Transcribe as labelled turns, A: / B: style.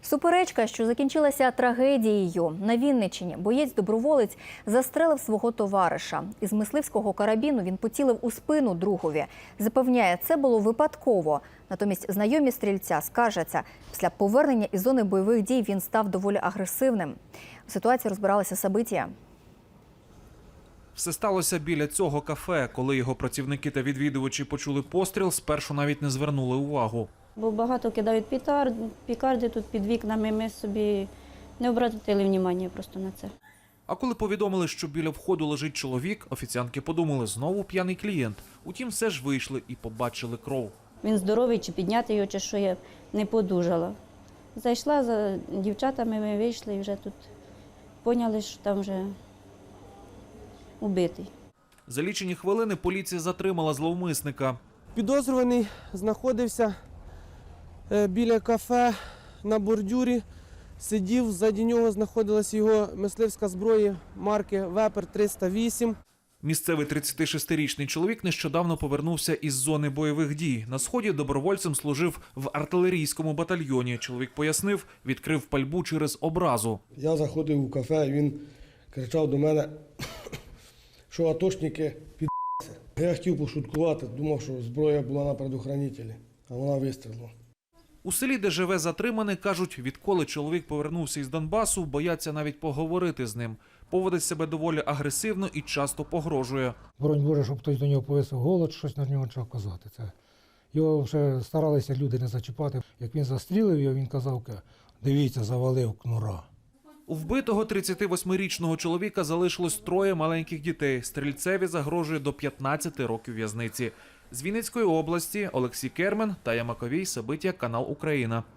A: Суперечка, що закінчилася трагедією. На Вінниччині боєць-доброволець застрелив свого товариша. Із мисливського карабіну він поцілив у спину другові. Запевняє, це було випадково. Натомість знайомі стрільця скаржаться, після повернення із зони бойових дій він став доволі агресивним. У ситуації розбиралася Сабитія.
B: Все сталося біля цього кафе. Коли його працівники та відвідувачі почули постріл, спершу навіть не звернули увагу.
C: Бо багато кидають пікарди тут під вікнами, ми собі не обратили уваги просто на це.
B: А коли повідомили, що біля входу лежить чоловік, офіціантки подумали, знову п'яний клієнт. Утім, все ж вийшли і побачили кров.
C: Він здоровий, чи підняти його, чи що, я не подужала. Зайшла за дівчатами, ми вийшли і вже тут поняли, що там вже убитий.
B: За лічені хвилини поліція затримала зловмисника.
D: Підозрюваний знаходився біля кафе на бордюрі, сидів, ззаді нього знаходилась його мисливська зброя марки Вепер 308.
B: Місцевий 36-річний чоловік нещодавно повернувся із зони бойових дій. На Сході добровольцем служив в артилерійському батальйоні. Чоловік пояснив, відкрив пальбу через образу.
E: Я заходив у кафе, він кричав до мене, що атошники під'їться. Я хотів пошуткувати, думав, що зброя була на предохранителі, а вона вистрілила.
B: У селі, де живе затриманий, кажуть, відколи чоловік повернувся із Донбасу, бояться навіть поговорити з ним. Поводить себе доволі агресивно і часто погрожує.
F: Боронь Боже, щоб хтось до нього повісив голод, щось на нього треба казати. Його вже старалися люди не зачіпати. Як він застрілив його, він казав, дивіться, завалив кнура.
B: У вбитого 38-річного чоловіка залишилось 3 маленьких дітей. Стрільцеві загрожує до 15 років в'язниці. З Вінницької області Олексій Кермен, Тая Маковій, Сабитія, канал Україна.